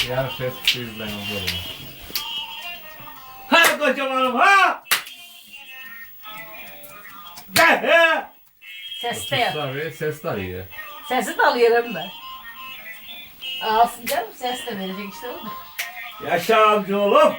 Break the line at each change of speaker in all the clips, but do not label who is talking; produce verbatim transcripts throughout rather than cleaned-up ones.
Yarın ses kısıyız ben olurum.
Ha kocamanım ha! Gel he!
Ses de yap.
Tabii ses de iyi.
Sesi de alıyorum ben. Alsın canım ses de verecek işte o da.
Yaşa amca oğlum!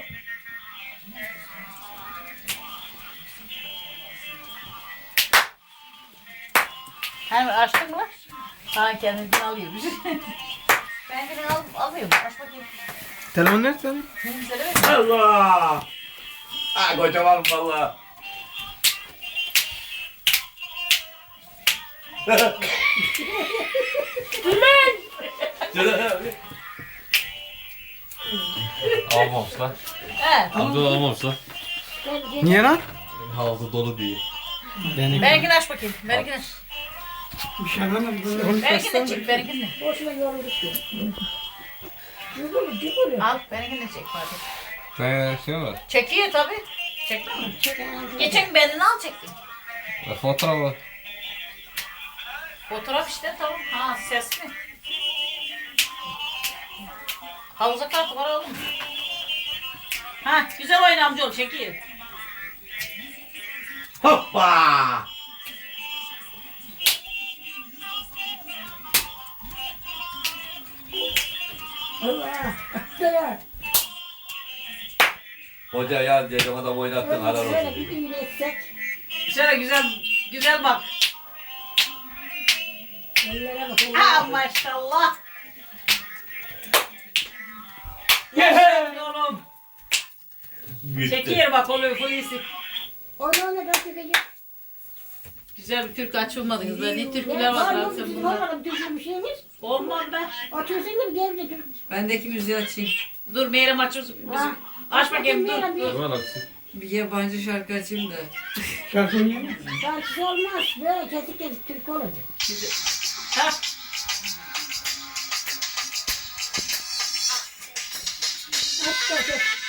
Hemen açtın mı? Ha kendini alıyormuş. Ben kendini al, alıyorum. Aç bakayım.
Telefon nerede senin?
Ne söyleme.
Allah! Ha kocamanım valla.
Almamışlar.
He.
Amca da almamışlar.
Niye lan?
Havuzda dolu diye.
Yani
Benimkini aç bakayım. Benimkini aç.
bir şey anlamadım.
Benimkini de çek. Benimkini de.
Boşuna yorulduk ya. Cıbır cıbır.
Al. Benimkini de çek Fatih.
Sen şey mi var?
Çekiyor tabii. Çektin mi? Geçen benini al çektin.
E, fotoğrafı.
Fotoğraf işte tamam. Ha ses mi? Havuza kartı var oğlum. Ha güzel oyna amcaoğlu çekiyor.
Hoppa!
Allah. Dayan.
Hoca ya dedim adam oynattın arar
Şöyle
olsun.
bir düğün etsek.
Şöyle güzel güzel bak.
Ellere bak. ellere
Ha
bak.
maşallah.
Yehe!
Oğlum.
Gitti.
Çekiyor bak oluyor polisi.
Onu onu ben çekeceğim.
Güzel bir türkü açılmadı kızlar. Ne
Ya,
türküler
var
var
mı
lan
bizim
sen bunlar.
olmadı bir bir şeyimiz?
Olmaz be.
Atıyorsun değil mi? Gevde dur.
Bendeki müziği açayım.
Dur Meyrem açıyorsun.
Ha.
Aç bakayım dur.
Meyrem,
dur.
Var aksi.
Bir yabancı şarkı açayım da.
Şarkı oynayayım mı?
Şarkısı olmaz. Böyle kesik kesik türkü olacak.
Ha.
Aç da kes.